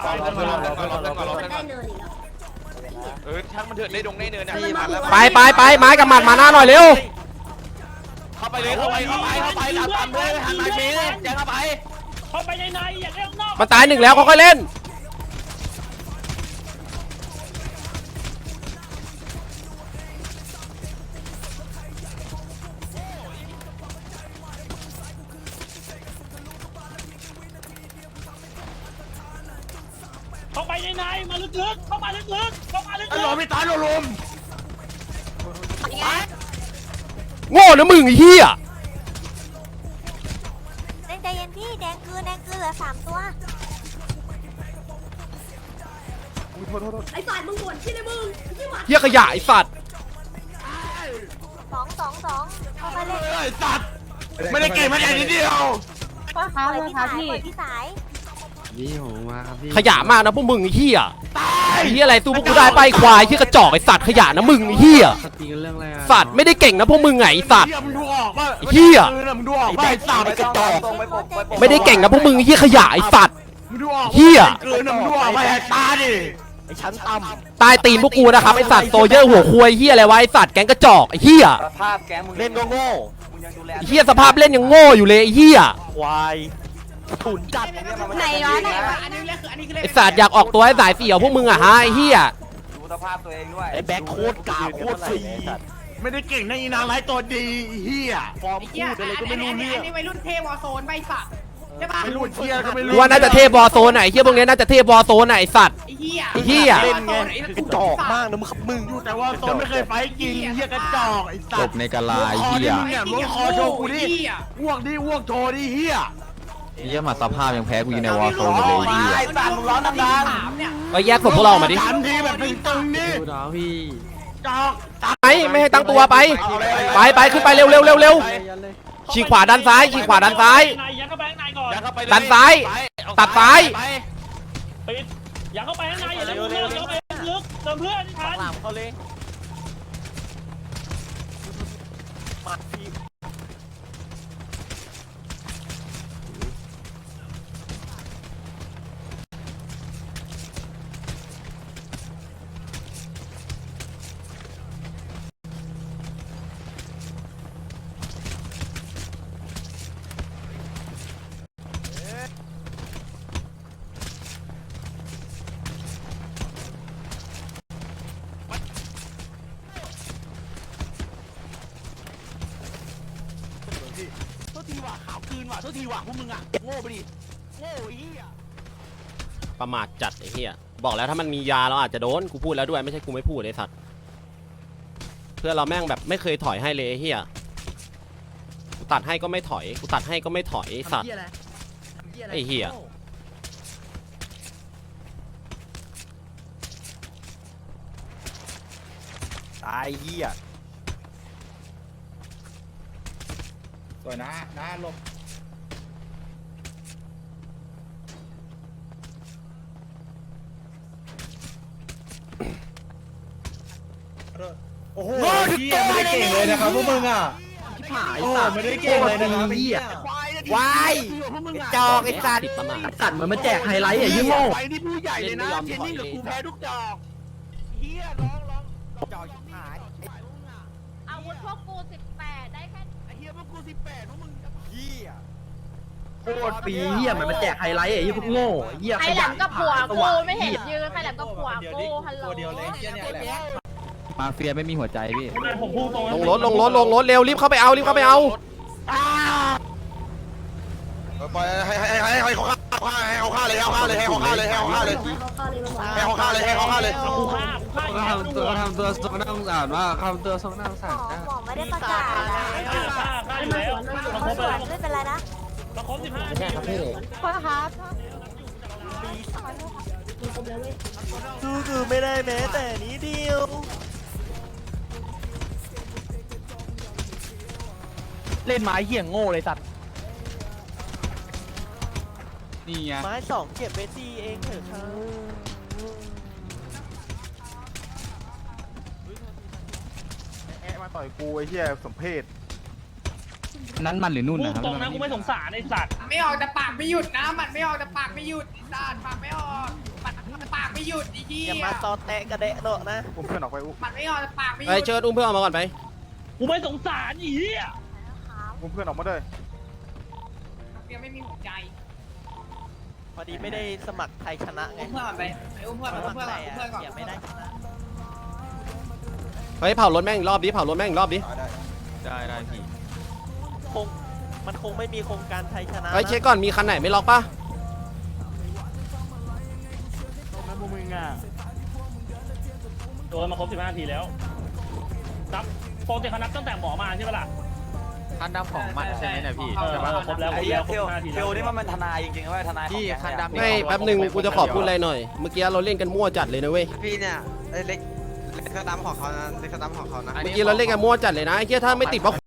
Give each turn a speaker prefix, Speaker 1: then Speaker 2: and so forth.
Speaker 1: ได้เนินอีกแล้ว
Speaker 2: ช่างมันเถิดได้ดงได้เนินนะ
Speaker 3: ไปไม้กับหมัดมาหน้าหน่อยเร็ว
Speaker 2: เข้าไปเลยเข้าไปตามเลยหันมาชี้แจ้งเข้าไป
Speaker 4: ในอย่าเล่นนอก
Speaker 3: มันตายหนึ่งแล้วค่อยๆเล่น
Speaker 4: เข้าไปในมาลึกๆเข้ามาลึกๆ
Speaker 2: ลมไม่ตายลม
Speaker 3: โง่นะมึงไอ้เหี้ย
Speaker 1: ใจเย็นพี่แดงคือเหลือ3ตัวไอ้สัตว์มึงบ่นที่ไหนมึง
Speaker 3: เหี้ยขยะไอ้สัตว์
Speaker 1: 2เข้ามาเล่น
Speaker 2: ไอ้สัตว์ไม่ได้เก่งมาแต่นิดเดียว
Speaker 1: ปล่อยพี่สาย
Speaker 5: นี่ผมมาครับพี่
Speaker 3: ขยะมากนะพวกมึงไอ้เหี้ยไอ้เหี้ยอะไรตู้พวกกูได้ไปควายเหี้ยกระจอกไอ้สัตว์ขยะนะมึงไอ้เหี้ย
Speaker 5: ตีกันเรื่องอะไร
Speaker 3: สัตว์ไม่ได้เก่งนะพวกมึงไงไอ้สัตว์
Speaker 2: มึงดูออกว่า
Speaker 3: เหี้ย
Speaker 2: มึงดูออกว่าไอ้สัตว์กระจอก
Speaker 3: ไม่ได้เก่งนะพวกมึงไอ้เหี้ยขยะไอ้สัตว์
Speaker 2: มึงดูออก
Speaker 3: เหี้ย
Speaker 2: เกินมึงดูออกว่าแหกตาดิไอ้ชั้นต่
Speaker 3: ำตายตีนพวกกูนะครับไอ้สัตว์โซเยอร์หัวควยเหี้ยอะไรวะไอ้สัตว์แก๊งกระจอกไอ้เหี้ย
Speaker 2: สภาพแกมึงเล่นก็โง่มึงยังดูแล
Speaker 3: ไอ้เหี้ยสภาพเล่นยังโง่อยู่เลยไอ้เหี้ย
Speaker 2: ควายถุนจัด
Speaker 1: ไหนวะ
Speaker 3: ไอ้สัตว์อยากออกตัวให้สายเสี่ยวพวกมึงอะฮะไอ้เหี้ย
Speaker 2: ดูสภาพตัวเองด้วยไอ้แบ็คโคตรกาโคตรฟรีไม่ได้เก่งนะอีนางไร้ตัวดีเฮียฟอร์มพูดอะไรก็ไม่รู้เรื่อง
Speaker 6: อันนี้วัยรุ่นเทวอโซนใบสัตว์ใช่ปะ
Speaker 2: ไม่รู้เฮียก็ไม่รู้
Speaker 3: ว่าน่าจะเทพบอโซนไหนเฮียพวกนี้น่าจะเทพบอโซนไหนสัตว์
Speaker 6: ไอ้เฮีย
Speaker 3: ไอ้เฮีย
Speaker 2: เล่นไงกระจอกมากนะมึงอยู่แต่ว่าโซนไม่เคยไฟจริงเฮียกระจอกไอ้สัตว์
Speaker 5: จบในกะลาเฮีย
Speaker 2: มึงคอโชว์กูดิอ้วกโชว์ดิเฮีย
Speaker 5: เฮียมาสภาพยังแพ้กูอยู่ในวอลโซนเลยเฮีย
Speaker 2: ไอ้สัตว์มึงร้อนดังๆ
Speaker 3: ก็แยกศพพวกเรามาดิ
Speaker 2: 3 ทีแบบตึงๆนี่
Speaker 5: ดูดาวพี่
Speaker 2: จอก
Speaker 3: ไม่ให้ตั้งตัวไปขึ้นไปเร็วฉีกขวาด้านซ้าย
Speaker 4: ยัดเข้าไปข้างในก่อน
Speaker 3: ด้านซ้ายตัดซ้าย
Speaker 4: ปิดยัดเข้าไปข้างในอย่าเล่นเรื่องเข้าไปลึกเติมเพื่อนทัน
Speaker 2: เขาเลยโทษทีว่ะพวกมึงอ่ะโง่ไปดิโง่ไอ้เหี้ย
Speaker 3: ประมาทจัดไอ้เหี้ยบอกแล้วถ้ามันมียาเราอาจจะโดนกูพูดแล้วด้วยไม่ใช่กูไม่พูดไอ้สัตว์เพื่อเราแม่งแบบไม่เคยถอยให้เลยไอ้เหี้ยกูตัดให้ก็ไม่ถอยกูตัดให้ก็ไม่ถอยไอ้สัตว์ไอ้เหี้ย
Speaker 2: ตายเหี้ยสวยนะลบโอ้โหไม่ได้เก่งเลยนะครับพวกมึงอ่ะโอ้ไม่ได้เก่งเลยนะครับพี่
Speaker 3: วายจอกไอ้สัตว์
Speaker 5: สัตว์เหมือนมาแจกไฮไลท์อ่ะยิ่งโง่
Speaker 2: ไปนี่ผู้ใหญ่เลยนะเทนนิ่งกับกูแพ้ทุกจอกเฮียร้องจอกชิบหาย
Speaker 1: อาวุธพวกกู18ได้แค่
Speaker 2: ไอ้เฮียพวกกู18พวกมึงเฮีย
Speaker 5: โคตรปีเฮียเหมือนมาแจกไฮไลท์อ่ะยิ่งพวกโง่เฮีย
Speaker 1: ใครแหลมกับผัวกูไม่เห็นยืนใครแหลมกับผัวกูฮัลโหล
Speaker 5: มาเฟียไม่มีหัวใจพี่
Speaker 4: ผมพูดตรง
Speaker 3: ลงรถเร็วรีบเข้าไปเอา
Speaker 2: ปล่อยให้เขาฆ่าเลยเขาฆ่าเลย
Speaker 4: กูฆ่า
Speaker 5: ทำตัวสงน่าสงสารว่าทำตัวสงน่าสงสาร
Speaker 1: หมอไม่ได้ประกาศนะไม่เป็นไรนะ
Speaker 4: มาครบ15นาที
Speaker 1: ขอครับ
Speaker 2: คือไม่ได้แม้แต่นี้เดียวเล่นไม้เหี้ยงโง่เลยสัตว์
Speaker 5: นี่ไง
Speaker 2: ไม้2เก็บไปตีเองเถอะครับมาต่อยกูไอ้เหี้ยสมเพศ
Speaker 5: นั้นมันหรือนุ่นนะครับ
Speaker 4: ตรงนั้นกูไม่สงสารไอ้สัตว์
Speaker 6: ไม่ออกแต่ปากไม่หยุดนะมันไม่ออกแต่ปากไม่หยุดสัตว์ปากไม่ออกหยุดดิพี่
Speaker 7: อย่ามาตอแตะกระเดะโดะนะ
Speaker 5: ผมเพื่อนออกไป
Speaker 6: มันไม่ยอมปากไม่หยุ
Speaker 3: ไอ้
Speaker 6: ด
Speaker 3: เชิญอุ้มเพื่อนออกมาก่อนไป
Speaker 4: กูไม่สงสารอีอ่ะ
Speaker 5: ผมเพื่อนออกมาด้วย
Speaker 6: ยังไม่มีหัวใจ
Speaker 7: พอดีไม่ได้สมัครไทยชนะไง
Speaker 6: อุ้มเพื่อนก่อนไปอุ้มเพื่อนก่อนอุ้มเพื่อนก่อนอุ้มเพื่อนก่อน
Speaker 7: อย่าไม่ได้ชนะ
Speaker 3: เฮ้ยเผารถแม่งอีกรอบดิเผารถแม่งอีกรอบดิ
Speaker 5: ได้พี่
Speaker 7: มันคงไม่มีโครงการไทยชนะ
Speaker 3: เฮ้ยเช็คก่อนมีคันไหนไม่ล็อกปะ
Speaker 4: โดนมาครบ15 นาทีแล้วนับปกติเขานับตั้งแต่หมอมาใช่ปะล่ะ
Speaker 5: คันดำของมันใช่ไหมเนี่ยพี่
Speaker 4: เออครบแล้วครบแล้วครบ15 นาที
Speaker 2: เท
Speaker 4: แล้ว
Speaker 2: ลนี่มันทนายจริงๆว่าทนาย
Speaker 5: พี่คันดำ
Speaker 3: ไม่แป๊บหนึ่งกูจะขอพูดอะไรหน่อยเมื่อกี้เราเล่นกันมั่วจัดเลยนะเว้ย
Speaker 8: พี่เนี่ยเล็กสตัมของเขานะเล็กสตัมของเขานะ
Speaker 3: เมื่อกี้เราเล่นกันมั่วจัดเลยนะไอ้เหี้ยถ้าไม่ติดว่า